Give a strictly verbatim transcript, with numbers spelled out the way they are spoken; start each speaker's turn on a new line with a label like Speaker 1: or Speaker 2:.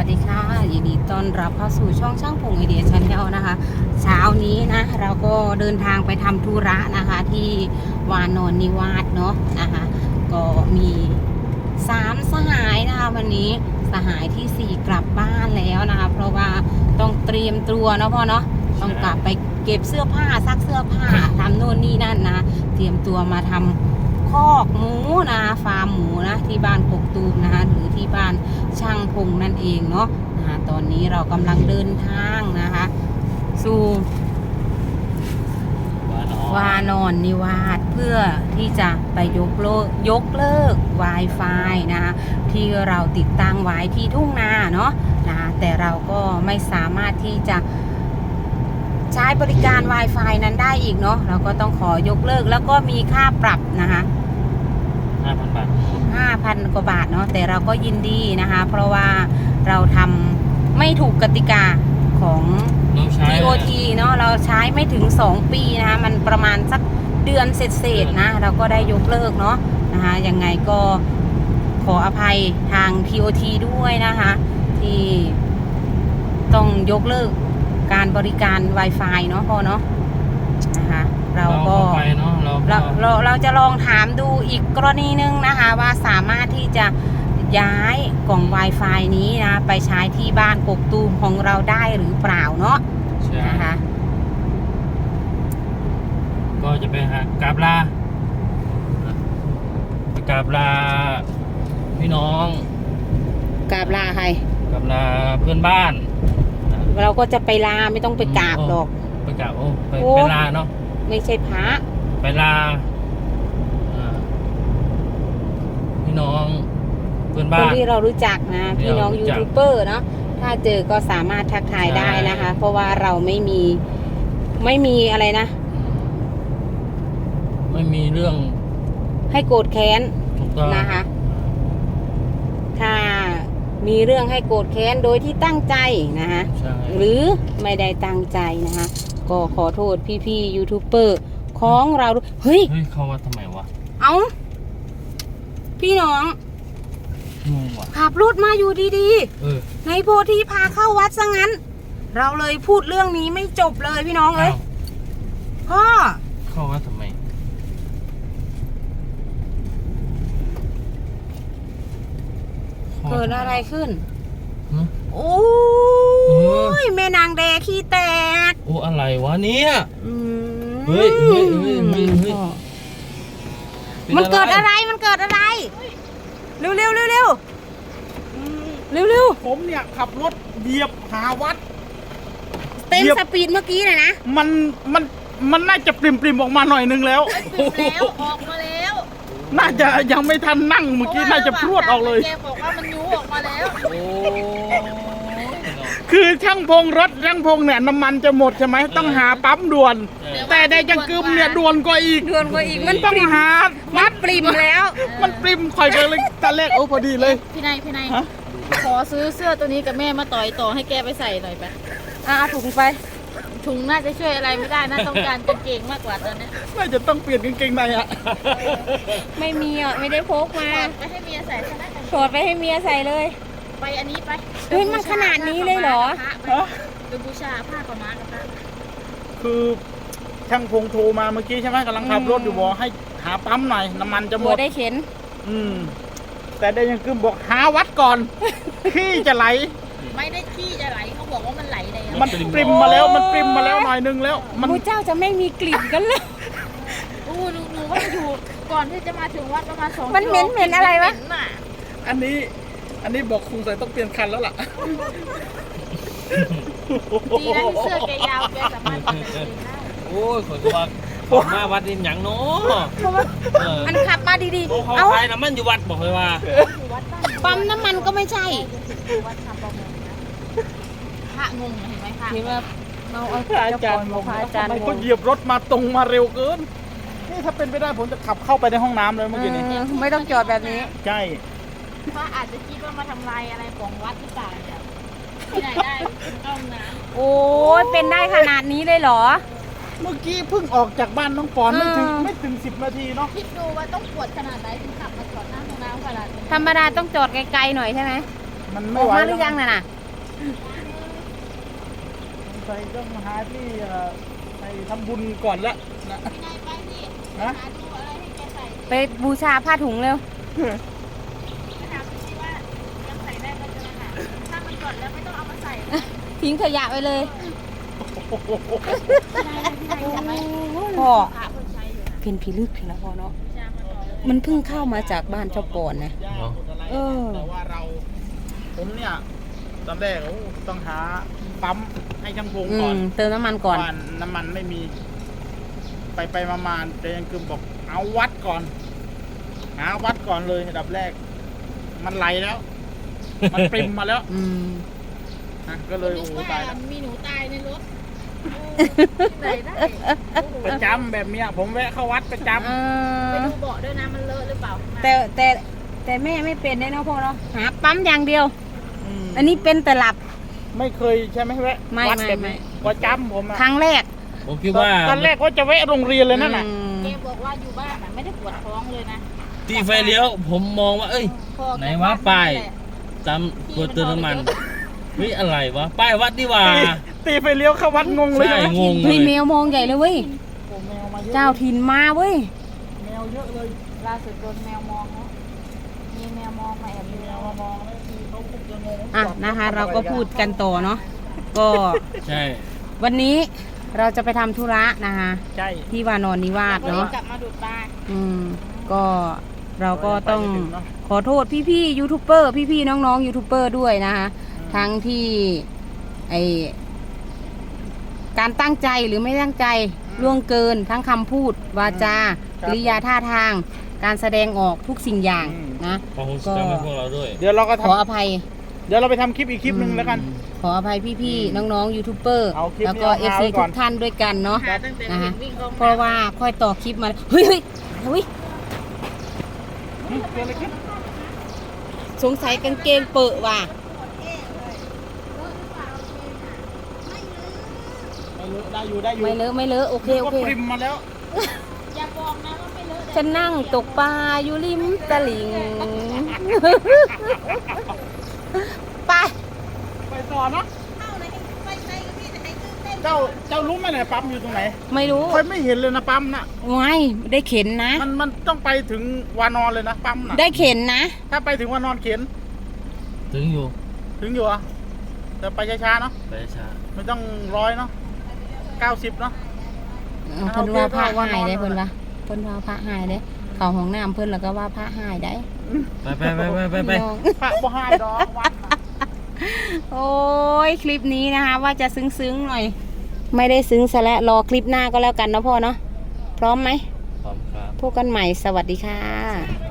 Speaker 1: วัสดีค่ะยินดีต้อนรับเข้าสู่ช่องช่างพงไอเดียชาแนลนะคะเช้านี้นะเราก็เดินทางไปทำธุระนะคะที่วานอนนิวาสเนาะนะคะก็มีสามสหายนะคะวันนี้สหายที่สี่กลับบ้านแล้วนะคะเพราะว่าต้องเตรียมตัวเนาะพ่อเนาะต้องกลับไปเก็บเสื้อผ้าซักเสื้อผ้าทำโน่นนี่นั่นนะเตรียมตัวมาทำคอกหมูนะฟาร์มหมูนะที่บ้านกกตูมนะคะหรือที่บ้านช่างพงนั่นเองเนาะนะคะตอนนี้เรากำลังเดินทางนะคะสู่วานอนนิวาสเพื่อที่จะไปยกเลิกยกเลิก Wi-Fi นะคะที่เราติดตั้งไว้ที่ทุ่งนาเนาะนะคะแต่เราก็ไม่สามารถที่จะใช้บริการ Wi-Fi นั้นได้อีกเนาะเราก็ต้องขอยกเลิกแล้วก็มีค่าปรับนะคะ
Speaker 2: ห้าพันบาท
Speaker 1: ห้าพันกว่าบาทเนาะแต่เราก็ยินดีนะคะเพราะว่าเราทำไม่ถูกกติกาของ ที โอ ที เนาะเราใช้ไม่ถึงสองปีนะคะมันประมาณสักเดือนเศษๆนะเราก็ได้ยกเลิกเนาะนะคะยังไงก็ขออภัยทาง ที โอ ที ด้วยนะคะที่ต้องยกเลิกการบริการ Wi-Fi เนาะพ่อเนาะนะคะเราก็เราเราเราจะลองถามดูอีกกรณีนึงนะคะว่าสามารถที่จะย้ายกล่อง Wi-Fi นี้นะไปใช้ที่บ้านกกตูมของเราได้หรือเปล่าเนาะนะคะ
Speaker 2: ก็จะไปหากราบลาไปกราบลาพี่น้อง
Speaker 1: กราบลาใคร
Speaker 2: กราบลาเพื่อนบ้าน
Speaker 1: เราก็จะไปลาไม่ต้องไปกราบหรอก
Speaker 2: ไปกราบโอ้ไปไปลาเนาะ
Speaker 1: ไม่ใช่พระ
Speaker 2: ไปลาพี่น้องเพื่อนบ้าน
Speaker 1: คนที่เรารู้จักนะพี่น้องยูทูบเบอร์เนาะถ้าเจอก็สามารถทักทายได้นะคะเพราะว่าเราไม่มีไม่มีอะไรนะ
Speaker 2: ไม่มีเรื่อง
Speaker 1: ให้โกรธแค้นนะคะถ้ามีเรื่องให้โกรธแค้นโดยที่ตั้งใจนะคะหรือไม่ได้ตั้งใจนะคะก็ขอโทษพี่ๆยูทูบเบอร์ของเราเฮ้ย
Speaker 2: เฮ้ยเขาว่าทำไมวะ
Speaker 1: เอ้าพี่น้องขับรถมาอยู่ดีๆในโพธิพาเข้าวัดซะงั้นเราเลยพูดเรื่องนี้ไม่จบเลยพี่น้องเอ้ยพ่อ
Speaker 2: เข้าวัดทำไม
Speaker 1: เกิดอะไรขึ้นโอ้ยแม่นางแดขี้แตก
Speaker 2: โอ้อะไรวะเนี่ยเฮ้ยเฮ้ยเฮ้ยเฮ้ยเฮ้ย
Speaker 1: มันเกิดอะไรมันเกิดอะไรเร็วเร็วเร็วเร็วเร็วเร็ว
Speaker 3: ผมเนี่ยขับรถเหยียบหาวัด
Speaker 1: เต็มสปีดเมื่อกี้เลยนะ
Speaker 3: มันมันมันน่าจะปริมปริมออกมาหน่อยนึงแล้ว
Speaker 4: แล้วออกมาแล้ว
Speaker 3: น่าจะยังไม่ทันนั่งเมื่อกี้น่าจะพรวดออกเลย
Speaker 4: แกบอกว่ามันยูออกมาแล้ว
Speaker 3: คือช่างพงรถช่างพงเนี่ยน้ำมันจะหมดใช่ไหมต้องหาปั๊มด่วนแต่ในจังกึมเนี่ยด่วนกว่าอีก
Speaker 1: ด่วนกว่าอีกมัน
Speaker 3: ต้องหา
Speaker 1: มัดปริมแล้ว
Speaker 3: มันปริมคอยกันเลยตาแรกโอ้พอดีเลย
Speaker 4: พี่นายพี่นายขอซื้อเสื้อตัวนี้กับแม่มาต่อยต่อให้แกไปใส่หน่อยไป
Speaker 1: อ่ะถุงไป
Speaker 4: ถุงน่าจะช่วยอะไรไม่ได้นะต้องการกางเกงมากกว่าตอนนี้
Speaker 3: น่าจะต้องเปลี่ยนกางเกงในอะ
Speaker 1: ไม่มีอ่ะไม่ได้พกมา
Speaker 4: ไปให้เมียใส่
Speaker 1: ถอดไปให้เมียใส่เลย
Speaker 4: ไปอันนี้ไป
Speaker 1: เฮ้ยมันขนาดนี้เลยเหรอ
Speaker 4: ดูบูชาผ้าขาวม้ากับผ้า
Speaker 3: คือช่างพงโทรมาเมื่อกี้ใช่ไหมกำลังขับรถอยู่บอกให้หาปั๊มหน่อยน้ำมันจะหมด
Speaker 1: ได้เข็น
Speaker 3: อืมแต่ได้ยังคือบอกหาวัดก่อนขี้จะไหล
Speaker 4: ไม่ได้ขี้จะไหลเขาบอกว่ามันไหลเลย
Speaker 3: มันปริมมาแล้วมันปริมมาแล้วหน่อยนึงแล้ว
Speaker 1: มันพระเจ้าจะไม่มีกลิ่นกันเลย
Speaker 4: โอ้หนูหนูว่าอยู่ก่อนที่จะมาถึงวัดประมาณสอง
Speaker 1: มันเหม็นเหม็นอะไรวะ
Speaker 3: อันนี้อันนี้บอกครูใส่ต้องเปลี่ยนคันแล้วล่ะ
Speaker 4: ดีนะเสื้อแกยาวแกสามารถเปลี่ยนได้
Speaker 2: โอ้ยขอตัวผมมาวัดดินหยังเนาะ
Speaker 1: มันขับมาดี
Speaker 2: ๆเขาขายน้ำมันอยู่วัดบอกเลยว่า
Speaker 1: ปั๊มน้ำมันก็ไม่ใช่
Speaker 4: วัดทำประมงนะพระงงเห็นไหมคะ
Speaker 1: ที่ว่าเราเอา
Speaker 3: อาจารย์บอกอาจารย์เขาเหยียบรถมาตรงมาเร็วเกินนี่ถ้าเป็นไปได้ผมจะขับเข้าไปในห้องน้ำเลยเมื่อกี้นี้
Speaker 1: ไม่ต้องจอดแบบนี้
Speaker 3: ใช่
Speaker 4: พระอาจจะคิดว่ามาทำลายอะไรของวัดหรือเปล่าเนี่ยที่ไหนได้ห้องน้
Speaker 1: ำโอ้ยเป็นได้ขนาดนี้เลยเหรอ
Speaker 3: เมื่อกี้เพิ่งออกจากบ้านน้องปอนไม่ถึงไม่ถึงสิบนาทีเนาะ
Speaker 4: คิดดูว่าต้องปวดขนาดไหนถึงขับมาจอดหน้าห้องน้ำขนาดนี้
Speaker 1: ธรรมดาต้องจอดไกลๆหน่อยใช่ไหม
Speaker 3: มัน
Speaker 1: อ
Speaker 3: ไม่
Speaker 1: อก
Speaker 3: ไหว
Speaker 1: มาหรือยังน่ะน่ะ
Speaker 3: ใส่ต้องหาที่เอ่อไปทำบุญก่อนละนะ
Speaker 4: พี่นายไปสิ
Speaker 3: ฮะ
Speaker 4: หาดูอะไรให้แกใส่
Speaker 1: ไปบูชาผ้าถุงเร็ว
Speaker 4: ไปถามดูสิว่ายังใส่ได้ก็จะหาถ้ามันก่อนแล้วไม่ต้องเอามาใส่นะ
Speaker 1: ทิ้งขยะไปเลย
Speaker 4: พี่นายพี่นายจะไหม
Speaker 1: พ่อ
Speaker 4: พระเพิ่งใช้อยู่นะ
Speaker 1: เพ็นผีลึกเห็นแล้วพ่อเนาะ
Speaker 4: จามันบอกเลย
Speaker 1: มันเพิ่งเข้ามาจากบ้านเจ้าก่อนนะ
Speaker 3: ย่าหมดอะไร
Speaker 1: เออ
Speaker 3: แต่ว่าเราผมเนี่ยตอนแรกโอ้ต้องหาปั๊มให้ช่างพง
Speaker 1: อื
Speaker 3: ก่อ
Speaker 1: ม
Speaker 3: น
Speaker 1: เติมน้ำมันก่อน
Speaker 3: บ้านน้ำมันไม่มี ไปไปมามาแต่ยังคือบอกเอาวัดก่อน หาวัดก่อนเลยอันดับแรก มันไหลแล้ว มันปริมมาแล้ว
Speaker 1: อืม
Speaker 3: นะก็เลย
Speaker 4: นึ
Speaker 3: โอ้
Speaker 4: ก
Speaker 3: โห
Speaker 4: ว่า
Speaker 3: ตายแล้ว
Speaker 4: มีหนูตายในรถใส่ได้
Speaker 3: ประจำแบบเนี้ยผมแวะเข้าวัดประจ
Speaker 1: เอ
Speaker 4: ไป
Speaker 1: อ
Speaker 4: ดูเบาะด้วยนะมันเลอะหรือเปล่าข้างหน้า
Speaker 1: แต่แต่แต่แม่ไม่เป็นได้เนาะพ่อเนาะหาปั๊มอย่างเดียว
Speaker 3: ำม
Speaker 1: อันนี้เป็นแต่หลับ
Speaker 3: ไม่เคยใช่ไหมแวะ
Speaker 1: ไม่
Speaker 3: วัด
Speaker 1: ไม่
Speaker 3: แบบ
Speaker 1: ไม่
Speaker 3: นี้ประจำผมอะ
Speaker 1: ครั้งแรก
Speaker 2: ผมคิดว่า
Speaker 3: ตอนแรกว่าจะแวะโรงเรียนเลยนั่นน่ะ
Speaker 1: อืม
Speaker 4: แกบอกว่าอยู่บ้านอ่ะไม่ได้ปวดท้องเลยนะ
Speaker 2: ที่ไฟเลี้ยว ผมมองว่า เอ้ย
Speaker 4: พอแก
Speaker 2: ไหนวะป้าย
Speaker 4: แหละ
Speaker 2: จำควรเติมน้ำมันเฮ้ยอะไรวะ ป้ายวัดนี่หว่า
Speaker 3: ตีตีไปเลี้ยวเข้าวัดงงเลย
Speaker 2: ใช่
Speaker 3: นะ
Speaker 2: งงเล
Speaker 1: เฮ้ย
Speaker 2: ย
Speaker 1: แมวมองใหญ่เลยเว้ย
Speaker 3: โอ้แมวมาเยอะ
Speaker 1: เจ้าถิ่นมาเว้ย
Speaker 3: แมวเยอะเลย
Speaker 4: ล่าสุดโดนแมวมองนะมีแมวมองมาแอบ
Speaker 3: มี
Speaker 4: ดู
Speaker 3: แมวมามองแล้วทีเขาคงจะงง
Speaker 1: อ่ะนะคะ เราก็พูดกันต่อเนาะก็
Speaker 2: ใช่
Speaker 1: วันนี้เราจะไปทำธุระนะคะ
Speaker 3: ใช่
Speaker 1: ที่วานอนนิวาส
Speaker 4: ก็เลย
Speaker 1: เนาะ
Speaker 4: กลับมาดูดปลา
Speaker 1: อืมก็เราก็ต้อง
Speaker 3: ไปไม่ถึงเนอะ
Speaker 1: ขอโทษพี่ๆยูทูบเบอร์พี่ๆน้องๆยูทูบเบอร์ด้วยนะคะ ทั้งที่ไอการตั้งใจหรือไม่ตั้งใจล่วงเกินทั้งคำพูด วาจา
Speaker 3: ครับ
Speaker 1: กริยาท่าทาง การแสดงออกทุกสิ่งอย่าง
Speaker 3: อืม
Speaker 1: นะ
Speaker 2: ขอโหสิกรรมให้พวกเราด้วย
Speaker 3: เดี๋ยวเราก็
Speaker 1: ขอ
Speaker 3: ทำ
Speaker 1: อภัย
Speaker 3: เดี๋ยวเราไปทำคลิปอีกคลิปหนึ่งแล้วกัน
Speaker 1: ขออภัยพี่ๆน้องๆยูทูบเบอร์
Speaker 3: เอาคลิป
Speaker 1: แล้วก็
Speaker 3: นี้
Speaker 1: เอ
Speaker 3: เอา
Speaker 1: ฟซี
Speaker 3: ไว้ก่
Speaker 1: ทุ
Speaker 3: อน
Speaker 1: กท่านด้วยกันเนาะ
Speaker 4: หาตั้งแต่
Speaker 1: นะ
Speaker 4: เห็
Speaker 1: ฮะ
Speaker 4: นวิ่งเข้ามา
Speaker 1: เพราะว่าค่อยต่อคลิปมาเฮ้ยเฮ้ยเฮ้ย
Speaker 3: อืมเกิดอะไรขึ้น
Speaker 1: สงสัยกางเกงเปิดว่ะ
Speaker 3: ไม่เลอะได้อยู่ได้อยู่
Speaker 1: ไม่เลอะไม่เลอะโอเคโอ
Speaker 3: ก็
Speaker 1: เค
Speaker 3: ปริมมาแล้ว
Speaker 4: อย่าบอกนะว่าไม่เลอะ
Speaker 1: ฉันนั่งตกปลาอยู่ริมตลิ่ง ไป
Speaker 3: ไปต่อเนาะเจ้าเจ้ารู้ไหมเนี่ยปั๊มอยู่ตรงไหน
Speaker 1: ไม่รู้
Speaker 3: ค่อยไม่เห็นเลยนะปั๊มน่ะ
Speaker 1: ไม่ได้เข็นนะ
Speaker 3: มันมันต้องไปถึงวานอนเลยนะปั๊มน่ะ
Speaker 1: ได้เข็นนะ
Speaker 3: ถ้าไปถึงวานอนเข็น
Speaker 2: ถึงอยู่
Speaker 3: ถึงอยู่อ่ะแต่ไปช้าๆเนาะ
Speaker 2: ไปช้า
Speaker 3: ไม่ต้องร้อยเนาะเก้าสิบเนาะ
Speaker 1: เอาเพิ่นว่าพระหายได้เพิ่นว่าเพิ่นว่าพระหายได้เข้าห้องน้ำเพิ่นแล้วก็ว่าพระหายได้
Speaker 2: ไปไปไปไปไปไป
Speaker 1: น้อง
Speaker 3: พระบ่ให้ดอกวัดน่ะ
Speaker 1: โอ้ยคลิปนี้นะคะ ว่าจะซึ้งๆหน่อย ไม่ได้ซึ้งซะแล้วรอคลิปหน้าก็แล้วกันนะพ่อเนาะพร้อมไหม
Speaker 2: พร้อมครับ
Speaker 1: พบกันใหม่สวัสดีค่ะ
Speaker 2: ครับ